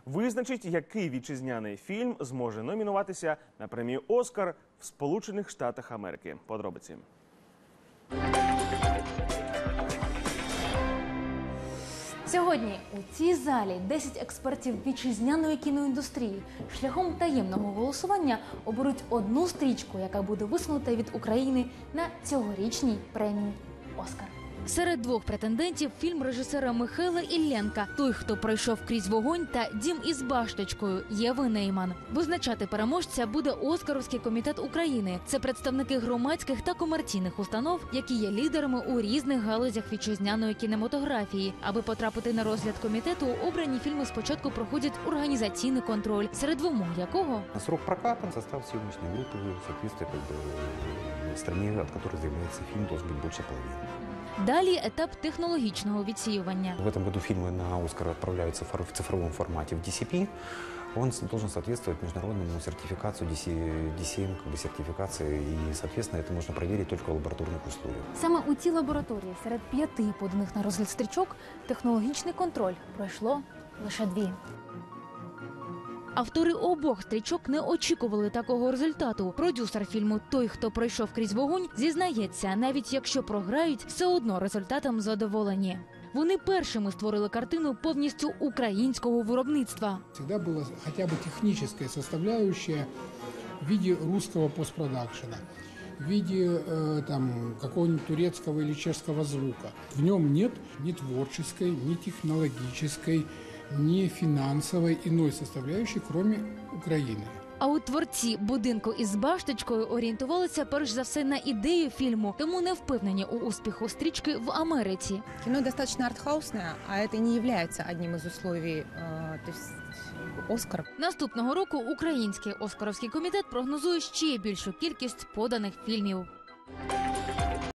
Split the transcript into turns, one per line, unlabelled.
визначить, який вітчизняний фільм зможе номінуватися на премію «Оскар» в Сполучених Штатах Америки. Подробиці.
Сьогодні у цій залі 10 експертів вітчизняної кіноіндустрії шляхом таємного голосування оберуть одну стрічку, яка буде висунута від України на цьогорічній премії «Оскар». Серед двох претендентів – фільм режисера Михайла Іллєнка «Той, хто пройшов крізь вогонь» та «Дім із башточкою» Єви Нейман. Визначати переможця буде Оскаровський комітет України. Це представники громадських та комерційних установ, які є лідерами у різних галузях вітчизняної кінематографії. Аби потрапити на розгляд комітету, обрані фільми спочатку проходять організаційний контроль, серед вимог якого
срок проката, состав съемочной группы, соответственно, в стране, от которой заявляется фильм, должен быть больше половины.
Далі етап технологічного відсіювання.
В этом году фильмы на «Оскар» отправляются в цифровом формате в DCP. Он должен соответствовать международному сертификацию, DCM, сертификации, и, соответственно, это можно проверить только в лабораторных условиях.
Саме у цій лабораторії серед 5 поданих на розгляд стрічок технологічний контроль пройшло лише 2. Автори обох стрічок не очікували такого результату. Продюсер фільму «Той, хто пройшов крізь вогонь» зізнається, навіть якщо програють, все одно результатом задоволені. Вони першими створили картину повністю українського виробництва.
Всегда была хотя бы техническая составляющая в виде русского постпродакшена, в виде какого-нибудь турецкого или чешского звука. В нем нет ни творческой, ни технологической, ни финансовой иной составляющей, кроме Украины.
А от творці «Будинку із башточкою» орієнтувалися перш за все на ідею фільму, тому не впевнені у успіху стрічки в Америці.
Кино достаточно артхаусное, а это не является одним из условий «Оскар».
Наступного року український Оскаровський комітет прогнозує ще більшу кількість поданих фільмів.